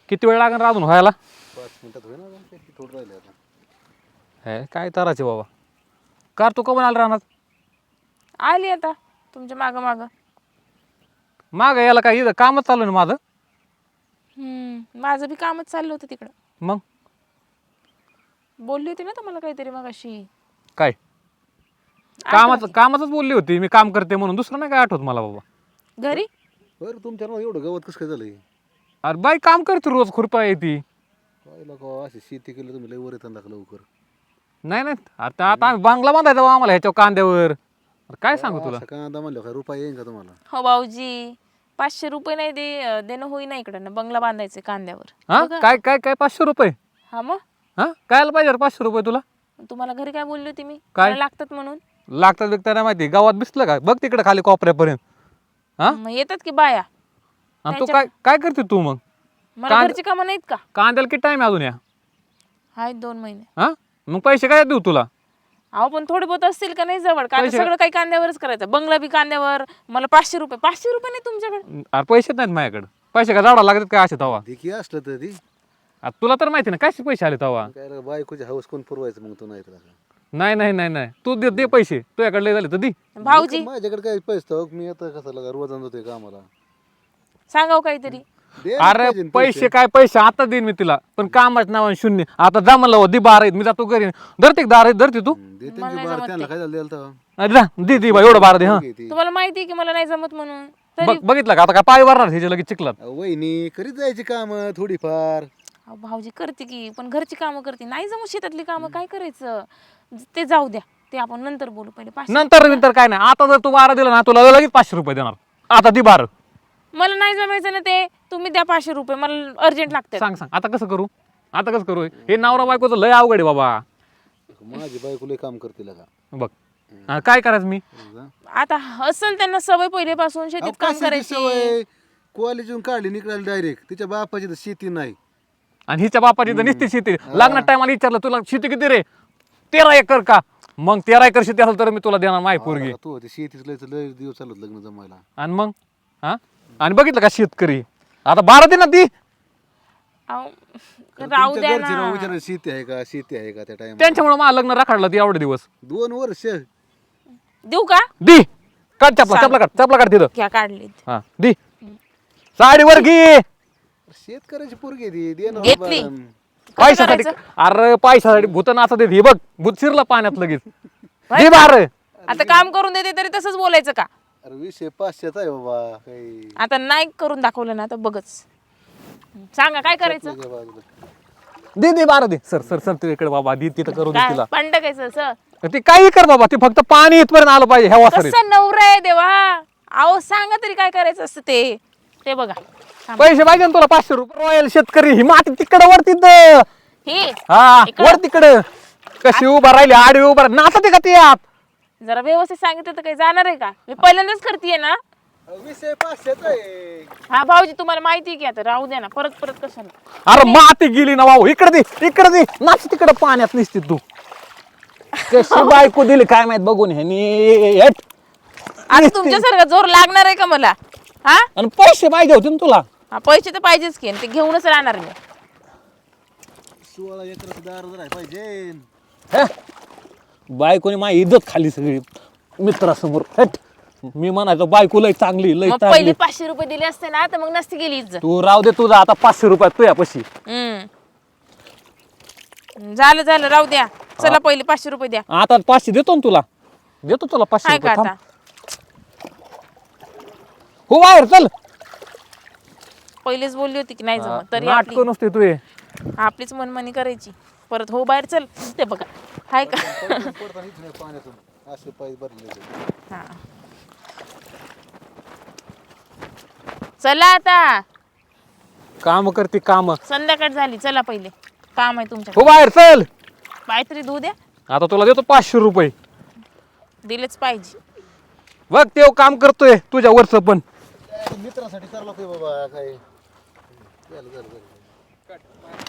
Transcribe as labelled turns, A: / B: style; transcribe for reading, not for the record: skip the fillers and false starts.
A: किती वेळ लागणार अजून व्हायला?
B: 5 मिनिटात होईल ना, किती थोडं राहिले आता.
A: हे काय तराचे बाबा. कार तू कमून आला राहणार?
C: आली आता तुमच्या मागं मागं.
A: मागं याला काय इथं कामच चालू ना माझं.
C: माझं बी कामच चाललं होतं तिकडं.
A: मग
C: बोलली होती ना तुम्हाला काहीतरी मग अशी.
A: काय कामाचंच बोलली होती मी, काम करते म्हणून. दुसरं नाही काय आठवत मला बाबा.
C: घरी
B: बरं तुमच्या ना एवढं गवत कसं काय झालंय?
A: अरे बाई काम करते रोज, खुरपा येते.
B: काय लोक अशी शेती केली तुम्ही लय वर येतात ना लवकर.
A: नाही नाही आता आम्ही बांगला बांधायचा बा आम्हाला ह्याच्या कांद्यावर. अरे काय सांगू तुला.
B: असं कांदा म्हणलं काय रुपये येईन का तुम्हाला?
C: हो भाऊजी, 500 रुपये नाही देणं होईना इकडं ना. बंगला बांधायचे कांद्यावर.
A: हा काय काय काय 500 रुपये?
C: हा मग
A: हा कायला पाहिजे 500 रुपये तुला?
C: तुम्हाला घरी काय बोलली होती मी?
A: काय?
C: मला लागतात म्हणून.
A: लागतात बिकतात नाही माहिती. गावात दिसलं का बघ तिकडे खाली कोपऱ्यापर्यंत. हा
C: मग येतात की बाया.
A: आणि तू काय काय करते तू मग?
C: मला घरची कामं नाहीत का?
A: कांद्याला किती टाइम अजून या?
C: आहेत 2 महिने.
A: हा मग पैसे काय देऊ तुला?
C: अहो पण थोडे बहुत असतील का नाही जवळ? का सगळं काही कांद्यावरच करायचं? बंगला बी कांद्यावर. मला 500 रुपये. 500 रुपये नाही तुमच्याकडे?
A: अरे पैसे नाहीत माझ्याकडे. पैसे का जाडा लागतात काय असे तवा?
B: देखी असलं तर ती
A: तुला तर माहिती ना कसे पैसे आले तवा.
B: काय रे, बायकोची हौस कोण पुरवायचं मग तू नाही तर असं.
A: नाही नाही नाही नाही तू दे पैसे. तुझ्याकडे लय झाले तर दे.
C: भाऊजी
B: माझ्याकडे काय पैसे तर मी आता कसं लागा रोज आणतोय कामाला.
C: सांगाव काहीतरी.
B: दे ना
A: अरे
B: पाहिजे ना
A: पैसे काय पैसे आता देईन मी तिला, पण कामाच नाव शून्य. आता जा म्हणलं दे 12 मी जातो घरी. धरते 12 धरते तू.
B: दे त्यांची बार त्यांना काय झालं द्यायला तर.
A: अरे जा दे बा एवढं 12 दे. हा
C: तुम्हाला माहिती आहे की मला नाही जमत म्हणून. तरी
A: बघितलं का आता काय पाय वरणार ह्याच्या लगेच चिखलात.
B: वहिनी करीत जायची काम थोडीफार.
C: अहो, भाऊजी करते की, पण घरची कामं करते. नाही जमू शेतातली कामं काय करायचं? ते जाऊ द्या, ते आपण नंतर बोलू. पहिले 500.
A: नंतर काय नाही. आता जर तू 12 दिला ना तुला लगेच 500 रुपये देणार. आता दे 12.
C: मला नाही जमायचं ना ते. तुम्ही द्या 500 रुपये, मला अर्जंट लागतात.
A: सांग आता कसं करू? आता कसं करू? हे नवरा बायकोचं लय अवघड आहे बाबा.
B: माझी बायको लय काम करते का
A: बघ काय करायचं मी?
C: आता असेल त्यांना सवय पहिलेपासून शेतीत काम करायची.
B: कॉलेजून काढली निघाली डायरेक्ट. तिच्या बापाची तर शेती नाही.
A: आणि हिच्या बापाची तर निस्ती शेती. लग्नात टायमाला विचारलं तुला शेती किती रे? 13 एकर का? मग 13 एकर शेती असेल तर मी तुला देणार माय पोरगी.
B: तू होती शेतीच लय दिवस चालत लग्न जमायला.
A: आणि मग हा आणि बघितलं का शेतकरी आता 12 दे ना ती.
C: अहो, राहू द्या ना.
B: विचार शेती आहे का त्या टाइम.
A: त्यांच्यामुळे मला लग्न राखाडलं ती एवढे दिवस.
B: 2 वर्ष
C: देऊ का?
A: दी काढ चपला काढ तिथं.
C: घ्या काढली.
A: हा दी साडीवर घे.
B: शेतकऱ्याची पोरगी ती दे ना
C: घेतली.
B: बाबा.
A: पैशासाठी. अरे पैशासाठी भूत नाचा दे. हे बघ भूत शिरला पाण्यात लगेच. दे 12.
C: आता काम करून देते तरी तसंच बोलायचं का?
B: अरे विषय 500चा आहे बाबा काही.
C: आता नाही करून दाखवलं ना तर बघच. सांगा काय करायचं?
B: तुझ्या बाजूला.
A: दे 12 दे. सर तिकडे बाबा दी तिथं करू दे
C: काय
A: तिला.
C: पंडकायचं सर?
A: ती काही कर बाबा. ती फक्त पाणी इथपर्यंत आलं पाहिजे ह्या वासरीत.
C: कसं नवरा आहे देवा. अहो सांगा तरी काय करायचं असतं ते. ते बघा.
A: पैसे पाहिजे ना तुला 500 रुपये. रॉयल शेतकरी ही माती तिकडे वर तिथं.
C: हे
A: हा
C: इकडं?
A: वर तिकडं कशी उभा राहिली आडवी उभा नाचते का ती आत.
C: जरा व्यवस्थित सांगितलं तर काही जाणार आहे का? मी पहिल्यांदाच करतेय ना.
B: विषय 500चा आहे.
C: हा भाऊजी तुम्हाला माहिती आहे की, आता राहू द्या ना. परत कशाला?
A: अरे माती गेली ना भाऊ. इकडे दे नाच तिकडे पाण्यात निसते तू. कशी बायको दिली काय माहित बघून ह्यानी.
C: आता तुमच्यासारखा जोर लागणार आहे का मला? हा
A: आणि पैसे पाहिजे होते ना तुला.
C: हा, पैसे तर पाहिजेच की. आणि ते घेऊनच राहणार मी.
B: 16 एकराचं दार जर आहे पाहिजे.
A: हे? बायकोने माझी इज्जत खाली सगळी मित्रासमोर. हट. मी म्हणायचो बायको लय चांगली लय
C: मग
A: चांगली.
C: पहिले 500 रुपये दिले असते ना तर मग नसती गेली इज्जत.
A: तू राहू दे तुझा आता 500 रुपयात तुझ्या पशी.
C: झालं राहू द्या. चला पहिले 500 रुपये द्या.
A: आता 500 देतो ना तुला. देतो तुला 500
C: काय का
A: रुपये.
C: आता?
A: हो बाहेर चल.
C: पहिलेच बोलली होती की नाही जमत तरी
A: नाटक नसते तू हे.
C: आपलीच मनमानी करायची. परत हो बाहेर चल. ते बघा हाय का?
B: पडताना इथं नाही पाण्यातून असे पाय भरले.
C: हा. चला आता.
A: काम करते काम.
C: संध्याकाळ झाली. चला पहिले काम आहे तुमच्या.
A: हो बाहेर चल.
C: काहीतरी दूध द्या.
A: आता तुला देतो 500 रुपये.
C: दिलेच पाहिजे.
A: बघ ते काम करतोय तुझ्या वरच पण.
B: मित्रासाठी करायला बाबा काय. झालं